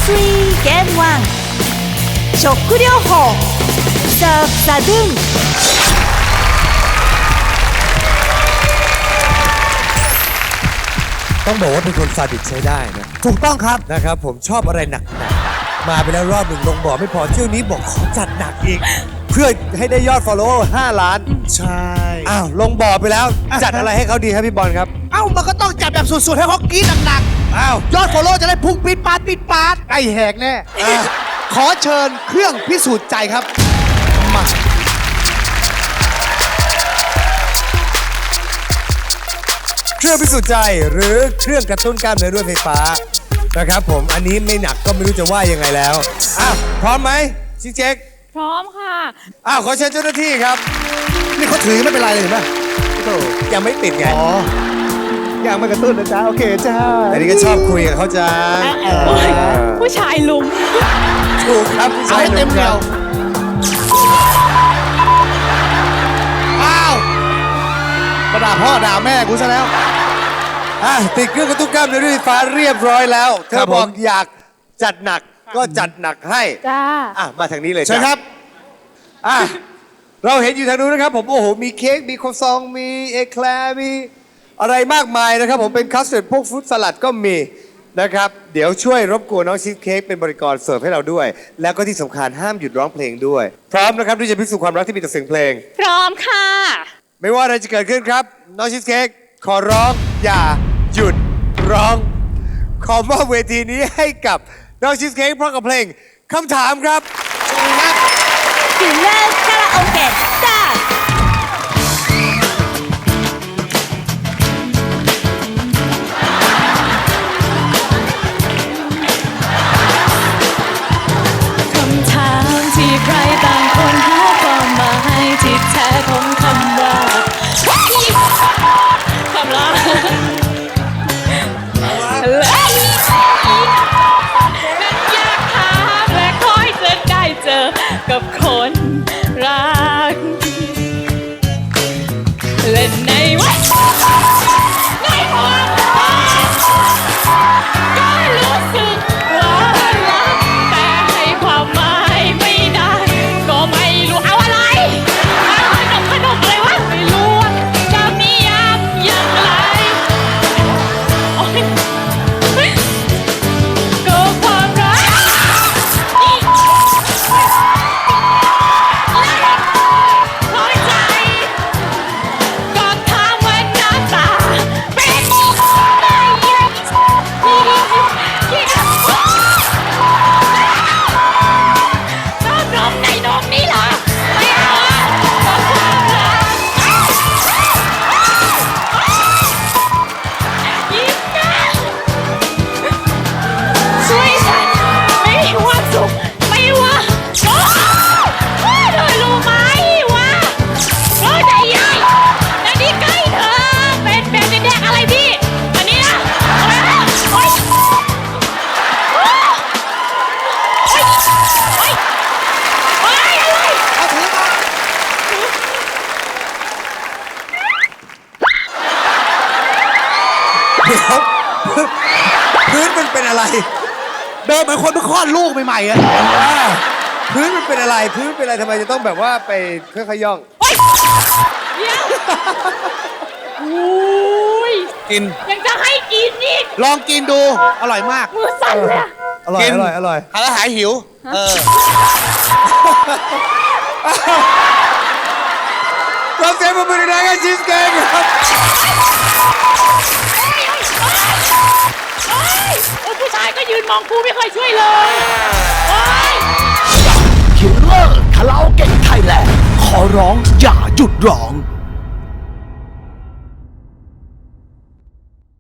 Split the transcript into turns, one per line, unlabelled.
食療法サーフサドゥン
ต้องบอกว่าเป็นคนซาดิสใช้ได้นะ
ถูกต้องครับ
นะครับผมชอบอะไรหนักๆมาไปแล้วรอบหนึ่งลงบ่อไม่พอเที่ยวนี้บอกขอจัดหนักอีก เพื่อให้ได้ยอด follower 5 ล้าน
ใช่
อ้าวลงบ่อไปแล้วจัดอะไรให้เขาดีครับพี่บอลครับ
เอ้ามันก็ต้องจัดแบบสุดๆให้เขากรี๊ดหนัก
อ้าว
ๆยอดฟอลโล่จะได้พุ่งปี๊ดปาดปี๊ดปาดไอแหกแน่ขอเชิญเครื่องพิสูจน์ใจครับมา
เครื่องพิสูจน์ใจหรือเครื่องกระตุ้นกล้ามเนื้อด้วยไฟฟ้านะครับผมอันนี้ไม่หนักก็ไม่รู้จะว่ายังไงแล้วอ้าวพร้อมไหมชิคเจ๊ก
พร้อมค่ะ
อ้าวขอเชิญเจ้าหน้าที่ครับ
นี่เขาถือไม่เป็นไรเลยเห็นไหม
โธ่ยังไม่ติดไง
อ๋อยังไม่กระตุ้นนะจ๊ะโอเคจ้า
อันนี้ก็ชอบคุยกับเขาจัง
โอ้ยผู้ชายลุม
ถูกครับผู้
เอา
ชาย
ให้เต็มเหนียวอ้าวมาด่าพ่อด่าแม่กูซะแล้ว
ติดเครื่องกระตุ้นกล้ามเนื้อด้วยไฟฟ้าเรียบร้อยแล้วเธ
ครั
อบ
ผม
บอกอยากจัดหนักก็จัดหนักให้
จ้า
มาทางนี้เลย
เชิญ
จ้ะ
ครับ
อ่ะเราเห็นอยู่ทางนู้นนะครับผมโอ้โหมีเค้กมีโคซองมีเอแคลร์มีอะไรมากมายนะครับผมเป็นคัสเตอร์ดพวกฟรุตสลัดก็มีนะครับเดี๋ยวช่วยรบกวนน้องชีสเค้กเป็นบริกรเสิร์ฟให้เราด้วย แล้วก็ที่สำคัญห้ามหยุดร้องเพลงด้วย พร้อมนะครับที่จะพิสูจน์ความรักที่มีต่อเสียงเพลง
พร้อมค่ะ
ไม่ว่าอะไรจะเกิดขึ้นครับน้องชีสเค้กขอร้องอย่าหยุดร้อง ขอมอบเวทีนี้ให้กับน้องชีสเค้กพร้อมกับเพลงคำถามครับ
キラカラオケスタート
คำถามที่ใครต่างคนหาความหมายที่แท้ของคำว่าคำลาและนั้นอยากถามและคอยจะได้เจอกับคนรักและในวันในความรักก็รู้สึกว่ารักแต่ให้ความหมายไม่ได้ก็ไม่รู้เอาอะไรขนมอะไรวะไม่รู้ว่าจะนิยามอย่างไรโอ๊ยก็ความรักเข้าใจก็ถามว่าหน้าตาเป็นยังไงชอบนมในนมนี่เหรอไม่เอาอะก็ความรักยิ้มนะช่วยฉันไม่ว่าสุขไม่ว่าโอ้เธอรู้ไหมว่าโอ้ใจใหญ่แล้วนี่ใกล้เธอเป็นแบบแดงๆอะไรพี่อันนี้นะอะไรนะโอ๊ยโอ๊ยโอ๊ยโอ๊ยโอ๊ยอะไร
เอาถือมา
เดี๋ยวพื้นมันเป็นอะไร
เดินเหมือนคนเพิ่งคลอดลูกใหม่ๆอะ
พื้นมันเป็นอะไรพื้นเป็นอะไรทำไมจะต้องแบบว่าไปค่อยๆย่อง
เดี๋ยวโอ้ย
กิน
ยังจะให้กินอีก
ลองกินดู อร่อยมาก
มือสั่นเลยอะ
อร่อย
กิน
อร่อยอร่อย
ทานแล้วหายหิว
เราเสียงปรบมือดังๆให้ชีสเค้กครับ
โอ๊ยโอ้ยผู้ชายก็ยืนมองกูไม่เคยช่วยเลยโอ๊ย
คิลเลอร์คาราโอเกะไทยแลนด์ขอร้องอย่าหยุดร้อง